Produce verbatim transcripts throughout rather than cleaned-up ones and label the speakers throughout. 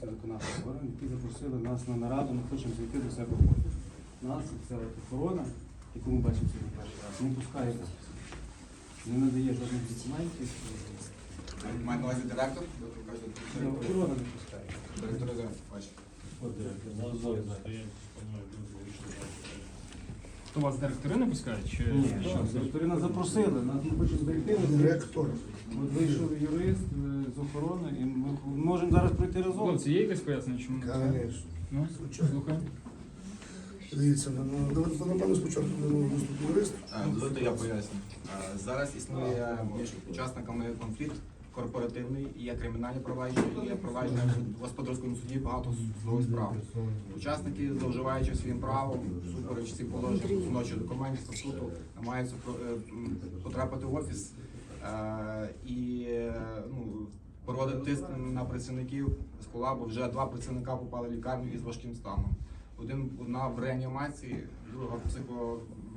Speaker 1: Виконавчих органів, які запросили нас на нараду, ми хочемо зайти до себе в офіс. Нас ця охорона, яку ми бачимо сьогодні перший раз, не пускає нас. Не надає жодних документів.
Speaker 2: Має на увазі директор?
Speaker 1: Ну, охорона не пускає.
Speaker 2: Директор бачить.
Speaker 3: От директор. То вас директори не пускають? Чи...
Speaker 1: Ні, що, директори нас запросили, нас ми хочемо зайти.
Speaker 4: Директор.
Speaker 1: От вийшов юрист е, з охорони, і ми можемо зараз пройти разом.
Speaker 3: Хлопці, є якесь пояснення, чому не пускають?
Speaker 4: Конечно.
Speaker 3: Ну, слухаємо.
Speaker 4: Дивіться, ну, давайте напевно спочатку будемо виступити юрист.
Speaker 2: Дозвольте, я поясню. Е, Зараз існує між учасниками конфлікт корпоративний, є кримінальні провадження, є провадження в господарському суді, багато судових справ. Учасники, зловживаючи своїм правом, супереч всім положенням установчих документів, статуту, намагаються е, м, потрапити в офіс е, і е, ну, проводити тиск на працівників з колабу. Вже два працівника попали в лікарню із важким станом. Один одна в реанімації, друга в психо,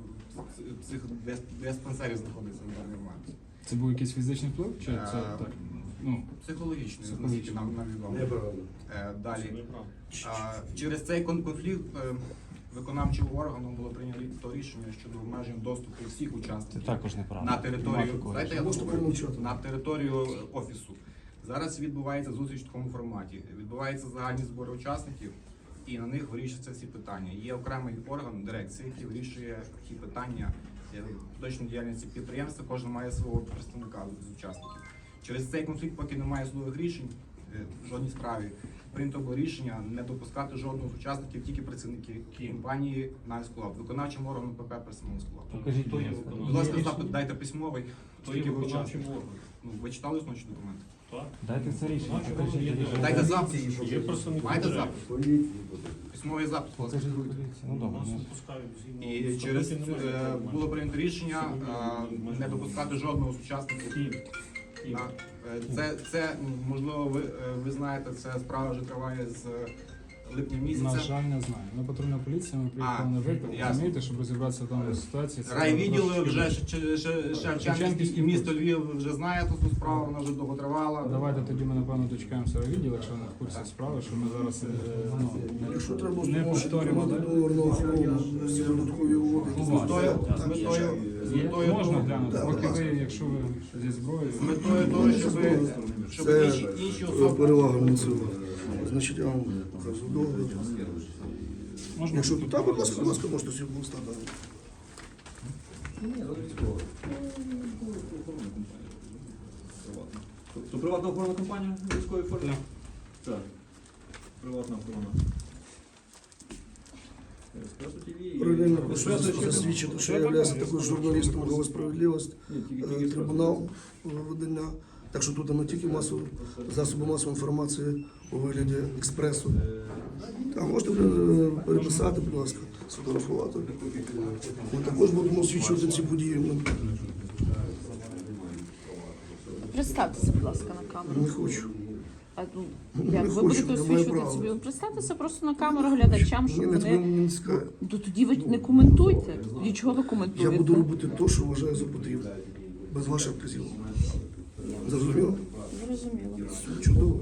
Speaker 2: психодиспансері знаходиться на даний момент.
Speaker 3: Це був якийсь фізичний вплив? Чи це
Speaker 2: Е,
Speaker 3: так? Ну,
Speaker 2: Психологічний,
Speaker 3: Психологічний.
Speaker 2: наскільки нам, нам відомо. Е, Далі. А, через цей кон- конфлікт е, виконавчим органом було прийнято рішення щодо обмежень доступу всіх учасників
Speaker 1: також неправда.
Speaker 2: на територію, дайте я
Speaker 4: Можете
Speaker 2: договорю.
Speaker 4: помовчати?
Speaker 2: на територію офісу. Зараз відбувається зустріч в такому форматі. Відбуваються загальні збори учасників, і на них вирішуються всі питання. Є окремий орган дирекції, який вирішує ті питання е, точної діяльності підприємства. Кожен має свого представника з учасників. Через цей конфлікт, поки немає судових рішень е, в жодній справі, прийнято було рішення не допускати жодного з учасників, тільки працівники компанії «Найсколаб», виконавчим органом ПП «Персонал Сколаб».
Speaker 1: Покажіть,
Speaker 2: Будь
Speaker 1: будь
Speaker 2: ласка, запит дайте письмовий, скільки ви учасників.
Speaker 3: виконавчим органом.
Speaker 2: Ну, ви читали основні документи?
Speaker 1: Дайте це рішення, покажіть рішення.
Speaker 2: Дайте запит.
Speaker 3: Є представник
Speaker 2: Маєте
Speaker 3: директора.
Speaker 2: запит? Письмовий запит, будь ласка.
Speaker 1: Покажіть поліцію. Ну добре. ну.
Speaker 2: І через е, було прийнято рішення е, не допускати жодного з учасників. На, е, Це, це можливо, ви, е, ви знаєте, ця справа вже триває з липня
Speaker 3: На
Speaker 2: місяця.
Speaker 3: жаль, не знаю. Ми патрульна поліція, ми приїхали
Speaker 2: А,
Speaker 3: на виклик,
Speaker 2: ясно.
Speaker 3: розумієте, щоб розібратися в даній ситуації. Це
Speaker 2: Райвідділи
Speaker 3: трошки-
Speaker 2: вже Ш- Ш- Шевченківський і місто Львів вже знаєте цю справу, вона вже довго тривала.
Speaker 3: Давайте тоді ми, напевно, дочекаємося відділ, якщо вони в курсі справи, що ми зараз е, ну,
Speaker 4: Якщо треба,
Speaker 3: не повторюємо.
Speaker 4: встановити договорну охорону, всі додаткові угоди.
Speaker 2: З метою, з метою, з
Speaker 3: Є?
Speaker 2: метою
Speaker 3: Можна
Speaker 2: того-
Speaker 3: глянути,
Speaker 4: Так,
Speaker 3: поки
Speaker 4: будь ласка.
Speaker 3: ви, якщо ви зі зброєю.
Speaker 2: з метою того, щоб, щоб
Speaker 4: Це
Speaker 2: інші, інші особи.
Speaker 4: перевага Мінцева. Значить, я вам покажу договір.
Speaker 3: Можна?
Speaker 4: Якщо тут, так, будь ласка, будь ласка, можете всі стати.
Speaker 5: То приватна охоронна компанія в військовій формі? Так. Приватна охорона. Еспресо ТВ.
Speaker 4: Паралельно
Speaker 5: Еспресо
Speaker 4: хочу
Speaker 5: ще там.
Speaker 4: засвідчити, що я являюся також журналістом «Голова справедливість»,
Speaker 5: Ні, тільки-
Speaker 4: е,
Speaker 5: тільки
Speaker 4: трибунал видання. Так що тут не тільки масові засоби масової інформації у вигляді експресу. А можете е, переписати, будь ласка, сфотографувати. Ми також будемо освічувати ці події. Ну,
Speaker 6: Представтеся, будь ласка, на камеру.
Speaker 4: Не хочу.
Speaker 6: А, ну,
Speaker 4: Не
Speaker 6: як ви
Speaker 4: хочу,
Speaker 6: будете
Speaker 4: немає
Speaker 6: освічувати
Speaker 4: права.
Speaker 6: собі? Ну, представтеся просто на камеру глядачам, щоб
Speaker 4: Ні, не
Speaker 6: вони...
Speaker 4: не цікаво.
Speaker 6: То тоді ви не коментуйте. Тоді чого ви
Speaker 4: Я
Speaker 6: коментуєте?
Speaker 4: буду робити те, що вважаю за потрібне. Без ваших вказівок. Зрозуміло?
Speaker 6: Зрозуміло.
Speaker 4: Чудово.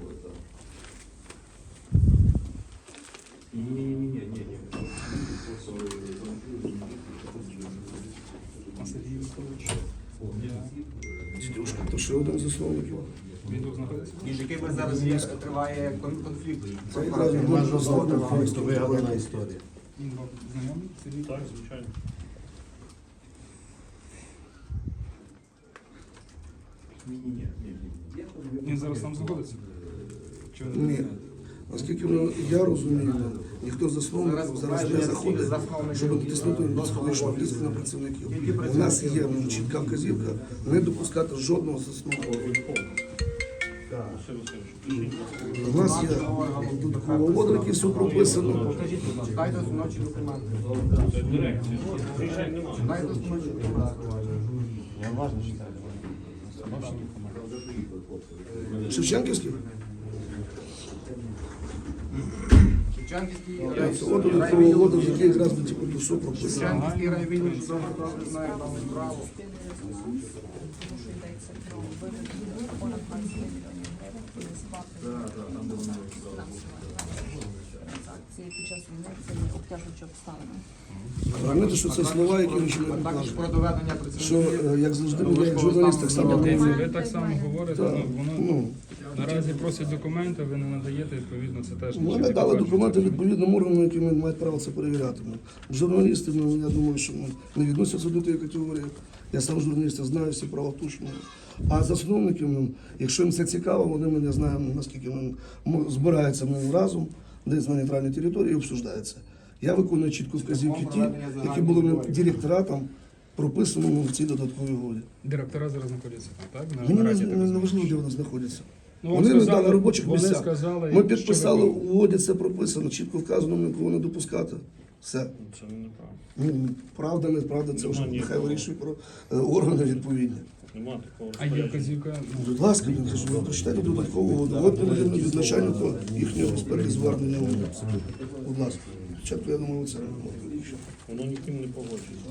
Speaker 4: Дідюшка, то ще один з засновників.
Speaker 3: Він тут знаходиться?
Speaker 2: Між якими зараз є, триває кон- конфлікт.
Speaker 4: Це якраз можна знати вигадана історія.
Speaker 3: Він вам знайомий? Сергій?
Speaker 7: Так, звичайно.
Speaker 3: Він зараз там знаходиться? Чи ви не
Speaker 4: Ні.
Speaker 3: знаєте?
Speaker 4: Наскільки ну, я розумію, ніхто з засновників зараз не заходить, щоб натиснути психологічний тиск на працівників. У нас є ну, чітка вказівка не допускати жодного засновника. У нас є додаткова угода, в якій все прописано.
Speaker 2: Дайте ночі документи.
Speaker 7: Дирекція. Рішень немає.
Speaker 2: Дайте ночі документи.
Speaker 1: Я уважно читаю.
Speaker 4: Шевченківський?
Speaker 2: Шевченківський
Speaker 4: Це от додаткова угода, в якій якраз типу, то все прописано.
Speaker 2: Шевченківський райвідділ чудово добре знає дану справу.
Speaker 6: Тому що йдеться про вивід понад двадцять мільйонів гривень.
Speaker 5: Так, так, там де вони
Speaker 6: Транзакції під час війни це є обтяжуючі обставини.
Speaker 4: Розумієте, що це слова, які нічого не
Speaker 2: Також
Speaker 4: покажуть.
Speaker 2: про доведення
Speaker 4: Що,
Speaker 2: працівників.
Speaker 4: е, як завжди, ми як журналіст так само
Speaker 3: Дивіться,
Speaker 4: говоримо.
Speaker 3: ви так само говорите,
Speaker 4: Так,
Speaker 3: ну, воно
Speaker 4: ну,
Speaker 3: наразі просять документи, ви не надаєте, відповідно, це теж
Speaker 4: Ми
Speaker 3: нічого
Speaker 4: не
Speaker 3: не
Speaker 4: дали
Speaker 3: покаже.
Speaker 4: документи відповідним органам, які мають право це перевіряти. Ну, Журналісти, ну, я думаю, що ну, не відносяться до тієї категорії. Я сам журналіст, я знаю всі права точно. А засновників, ну, якщо їм це цікаво, вони мене знають, наскільки ну, м- збираються ну, разом, десь на нейтральній території і обсуждаються. Я виконую чітко вказівки ті, які були ну, директоратом прописано ну, в цій додатковій угоді.
Speaker 3: Директора зараз знаходяться там, так? На
Speaker 4: Мені не,
Speaker 3: нараді, так
Speaker 4: не, не
Speaker 3: розумію.
Speaker 4: важливо, де вони знаходяться.
Speaker 3: Ну, вам
Speaker 4: Вони не
Speaker 3: сказали-
Speaker 4: дали робочих
Speaker 3: вони
Speaker 4: місцях.
Speaker 3: сказали,
Speaker 4: Ми
Speaker 3: що
Speaker 4: підписали
Speaker 3: ви-
Speaker 4: в угоді, це прописано, чітко вказано, нікого не допускати. Все.
Speaker 7: Це неправда.
Speaker 4: Ну, правда, неправда, це вже
Speaker 7: Нема
Speaker 4: нехай
Speaker 7: нікого.
Speaker 4: вирішують про е, органи відповідні.
Speaker 7: Нема такого
Speaker 3: А є
Speaker 7: розпорядження.
Speaker 3: вказівка, ну,
Speaker 4: Будь ласка, я кажу, ви прочитайте додаткову угоду. От ми будемо від начальника їхнього експерти звернення. Будь ласка. Спочатку, я думаю, це не може.
Speaker 7: Воно ніким не погоджується.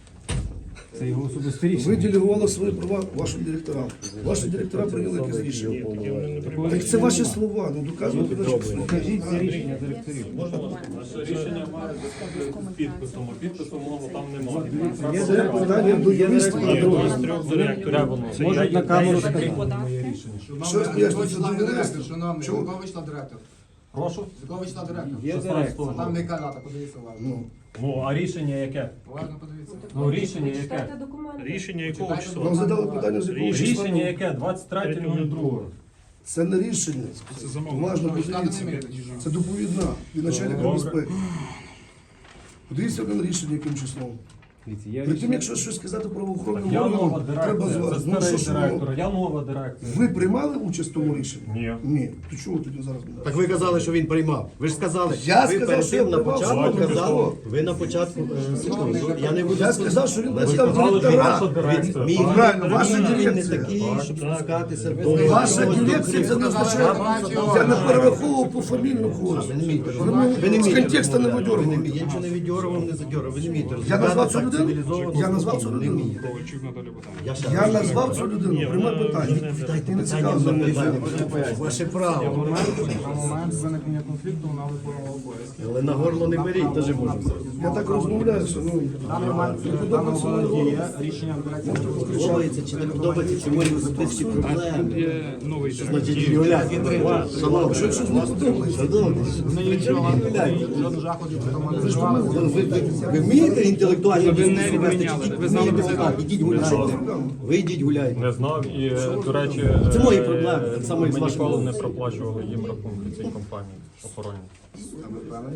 Speaker 1: Це його особисте рішення.
Speaker 4: Ви делегували свої права вашим директорам. Ваші директора прийняли якесь рішення.
Speaker 7: Ні, таке вони не приймають.
Speaker 4: Так це ваші слова, ну доказуйте наші слова.
Speaker 1: Покажіть це рішення директорів.
Speaker 7: Можна вас? Наше рішення має з підписом, а підпису мого там немає.
Speaker 4: Це питання до юристів.
Speaker 7: Є два з трьох директорів. Це
Speaker 1: Можуть на камеру сказати.
Speaker 4: Що ж пояснюється
Speaker 2: Якого числа
Speaker 4: до
Speaker 2: директор,
Speaker 4: юристів?
Speaker 2: шановний, з
Speaker 4: Чому?
Speaker 2: якого числа директор?
Speaker 8: Прошу?
Speaker 2: З якого числа директор?
Speaker 1: Є директор.
Speaker 2: А там яка дата, подивіться уважно.
Speaker 4: Ну,
Speaker 8: Ну, а рішення яке?
Speaker 2: Уважно подивіться.
Speaker 8: Ну, рішення яке?
Speaker 7: Рішення якого
Speaker 2: Читайте
Speaker 7: числа?
Speaker 4: вам задали питання, з якого числа.
Speaker 8: Рішення яке? двадцять третього другого.
Speaker 4: Це не рішення.
Speaker 3: це замовлення.
Speaker 4: Уважно
Speaker 2: Читати не
Speaker 4: подивіться.
Speaker 2: вмієте.
Speaker 4: Це доповідна від начальника
Speaker 8: Добре.
Speaker 4: безпеки. Подивіться на рішення, яким числом.
Speaker 1: Дивіться, є
Speaker 4: При тим,
Speaker 1: рішення.
Speaker 4: якщо щось сказати правоохоронним
Speaker 8: Я нова
Speaker 4: органам, треба
Speaker 8: дирекція,
Speaker 4: звати.
Speaker 8: це
Speaker 4: Ну, що
Speaker 8: старий
Speaker 4: ж,
Speaker 8: директор,
Speaker 4: ну,
Speaker 8: я нова дирекція.
Speaker 4: ви приймали участь в тому рішенні?
Speaker 8: Ні.
Speaker 4: Ні. То чого ви тоді зараз?
Speaker 9: Так ви казали, що він приймав. Ви ж сказали,
Speaker 4: Я
Speaker 9: ви
Speaker 4: сказав,
Speaker 9: перед
Speaker 4: що я
Speaker 9: тим на
Speaker 4: приймав,
Speaker 9: початку
Speaker 4: що
Speaker 9: казали,
Speaker 4: ви
Speaker 9: ви на початку е, секунду, я не буду
Speaker 4: Я сказав, що він
Speaker 9: Ви
Speaker 4: представ
Speaker 9: сказали,
Speaker 8: що
Speaker 4: директора.
Speaker 8: ваша дирекція.
Speaker 9: Мій
Speaker 8: так?
Speaker 4: Правильно, ваша
Speaker 9: він не
Speaker 4: дирекція.
Speaker 9: такий, щоб спускатися до
Speaker 4: Ваша
Speaker 9: до-
Speaker 4: дирекція це не означає. Я не перераховував по фамільну когось.
Speaker 9: Ви не вмієте
Speaker 4: Ви
Speaker 9: розмовляти. Ви не
Speaker 4: з
Speaker 9: вмієте
Speaker 4: контексту не
Speaker 9: розмовляти. Ви не
Speaker 4: видьоргуєте.
Speaker 9: вмієте. Я нічого не відьорував, не задьорував. Ви не вмієте
Speaker 4: Я
Speaker 9: розмовляти
Speaker 4: назвав цю
Speaker 9: так
Speaker 4: людину?
Speaker 9: цивілізовано,
Speaker 4: Я назвав цю
Speaker 9: спокійно. Не
Speaker 4: людину?
Speaker 9: вмієте.
Speaker 3: Ковальчук Наталія Богданівна.
Speaker 9: Я ще
Speaker 4: Я
Speaker 9: раз
Speaker 4: назвав цю людину, приймай питання.
Speaker 9: Дайте
Speaker 4: Ти не
Speaker 9: питання
Speaker 4: цікаво
Speaker 9: за
Speaker 4: мені.
Speaker 9: питання. Ваше право.
Speaker 3: На момент виникнення конфлікту вона виконувала обов'язки.
Speaker 9: Але на горло не беріть, теж можу взяти.
Speaker 4: Я так розмовляю, що ну, не подобається мені голос.
Speaker 2: Рішення директора.
Speaker 9: Подобається чи не подобається, чи може особисті проблеми.
Speaker 3: Є новий директор.
Speaker 9: Значить, Юля, шановні,
Speaker 4: Що щось не подобається?
Speaker 9: шановні,
Speaker 2: Жодних заходів потім не
Speaker 9: ви,
Speaker 2: вживали.
Speaker 9: ви, ви, ви вмієте інтелектуально
Speaker 3: Ви не
Speaker 9: дискусію вести,
Speaker 3: відміняли,
Speaker 9: чи
Speaker 3: ви
Speaker 9: тільки
Speaker 3: знали
Speaker 9: вмієте
Speaker 3: про це?
Speaker 9: сказати? Ідіть гуляйте. Ви йдіть гуляйте.
Speaker 8: Не знав і, е, до речі,
Speaker 9: Це мої
Speaker 8: е,
Speaker 9: проблеми, так само, як з
Speaker 8: ми
Speaker 9: вашими.
Speaker 8: ніколи не проплачували їм рахунки цій компанії охоронні.
Speaker 2: А ви впевнені?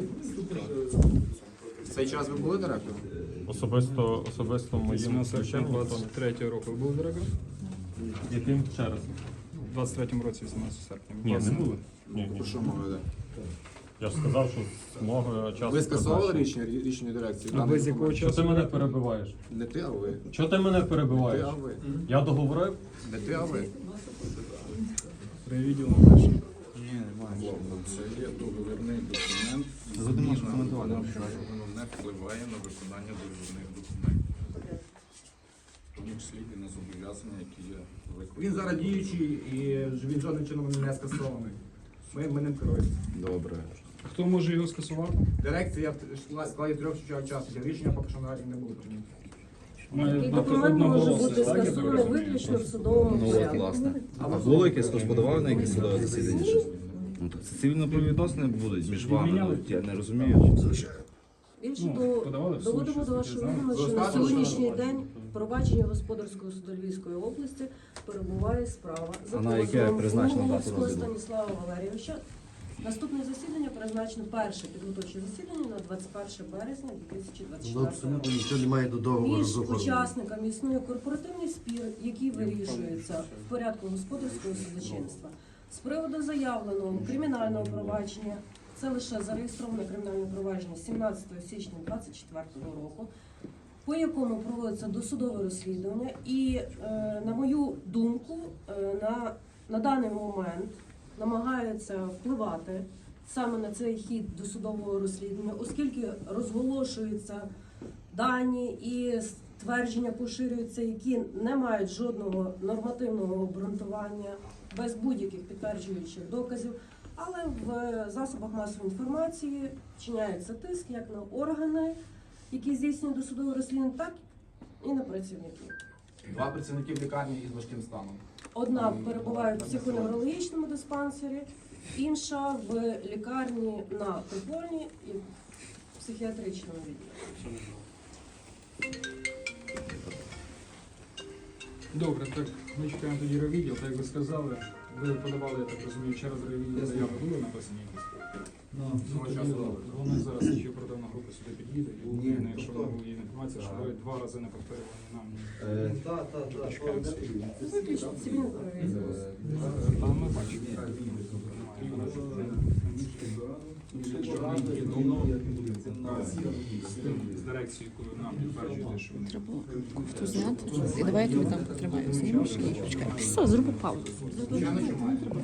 Speaker 2: В цей час ви були директором?
Speaker 8: Особисто, особисто моїм
Speaker 3: вісімнадцятого серпня
Speaker 8: включенням.
Speaker 3: двадцять третього року ви були директором?
Speaker 8: Яким ще раз?
Speaker 3: У двадцять третьому році, вісімнадцятого серпня.
Speaker 8: Ні, не були. Ні, ні.
Speaker 2: Про що мова йде?
Speaker 8: Я ж сказав, що з мого часу.
Speaker 2: Ви скасовували
Speaker 8: призначення.
Speaker 2: рішення, рішення дирекції?
Speaker 3: А ви з якого
Speaker 8: Що
Speaker 3: часу?
Speaker 8: ти мене перебиваєш?
Speaker 2: Не ти, а ви.
Speaker 8: Що ти мене
Speaker 2: Не
Speaker 8: перебиваєш?
Speaker 2: ти, а ви.
Speaker 8: Я договорив?
Speaker 2: Не ти, а ви.
Speaker 3: При відділу теж.
Speaker 10: Це є договірний документ, зміна воно не впливає на виконання договірних документів. В тому числі і на зобов'язання, які є виконані.
Speaker 2: Він зараз діючий і він жодним чином не скасований. Ми, ми ним керуємо.
Speaker 10: Добре.
Speaker 3: Хто може його скасувати?
Speaker 2: Дирекція в складі трьох учасників. Рішення поки що наразі не було прийнято.
Speaker 3: Має
Speaker 11: Такий
Speaker 3: бути
Speaker 11: документ може
Speaker 3: одноголосно,
Speaker 11: бути
Speaker 3: так, я так
Speaker 11: скасований
Speaker 3: розумію?
Speaker 11: виключно в судовому
Speaker 10: Ну от,
Speaker 11: порядку.
Speaker 10: власне. А було якесь хтось подавав на якесь судове засідання? Щось? Ну, так це цивільно-правові відносини будуть між вами.
Speaker 3: Відміняли?
Speaker 10: Я не розумію.
Speaker 11: Більше
Speaker 3: Ну,
Speaker 11: до
Speaker 3: подавали в суд,
Speaker 11: доводимо
Speaker 3: щось
Speaker 11: до вашої
Speaker 3: таке,
Speaker 11: відома, що на
Speaker 2: Розказуйте,
Speaker 11: сьогоднішній
Speaker 2: що
Speaker 11: день провадження господарського суду Львівської області перебуває справа за
Speaker 10: А на яке
Speaker 11: позовом
Speaker 10: призначена дата
Speaker 11: Луговського
Speaker 10: розгляду?
Speaker 11: Станіслава Валерійовича. Наступне засідання призначено перше підготовче засідання на двадцять перше березня дві тисячі двадцять
Speaker 9: Ну,
Speaker 11: четвертого
Speaker 9: абсолютно
Speaker 11: року.
Speaker 9: нічого немає до договору
Speaker 11: Між
Speaker 9: з охороною.
Speaker 11: учасниками існує корпоративний спір, який вирішується в порядку господарського судочинства. З приводу заявленого кримінального провадження, це лише зареєстроване кримінальне провадження сімнадцятого січня двадцять четвертого року, по якому проводиться досудове розслідування. І, е, на мою думку, е, на, на даний момент намагаються впливати саме на цей хід досудового розслідування, оскільки розголошуються дані і твердження поширюються, які не мають жодного нормативного обґрунтування, без будь-яких підтверджуючих доказів. Але в засобах масової інформації вчиняється тиск як на органи, які здійснюють досудове розслідування, так і на працівників.
Speaker 2: Два працівники в лікарні із важким станом.
Speaker 11: Одна перебуває в психоневрологічному диспансері, інша в лікарні на Прикольній і в психіатричному відділі.
Speaker 3: Добре, так ми чекаємо тоді райвідділ, так як ви сказали. Ви подавали, я так розумію, через райвідділ заяви були написані якісь?
Speaker 5: Ну,
Speaker 3: Ну, тоді вони зараз слідчі оперативна група сюди під'їде, і Україна, якщо ви є інформація, що ви два рази не повторювали нам.
Speaker 9: Так, так, так.
Speaker 3: Чекаємо.
Speaker 11: Виключно цивільне перевірка.
Speaker 3: Та ми бачимо. З дирекцією, яку нам підтверджуєте, що вони
Speaker 6: Треба кофту зняти. І давай я тобі там потримаю. Все, не можеш? Чекай. Все, зроби паузу.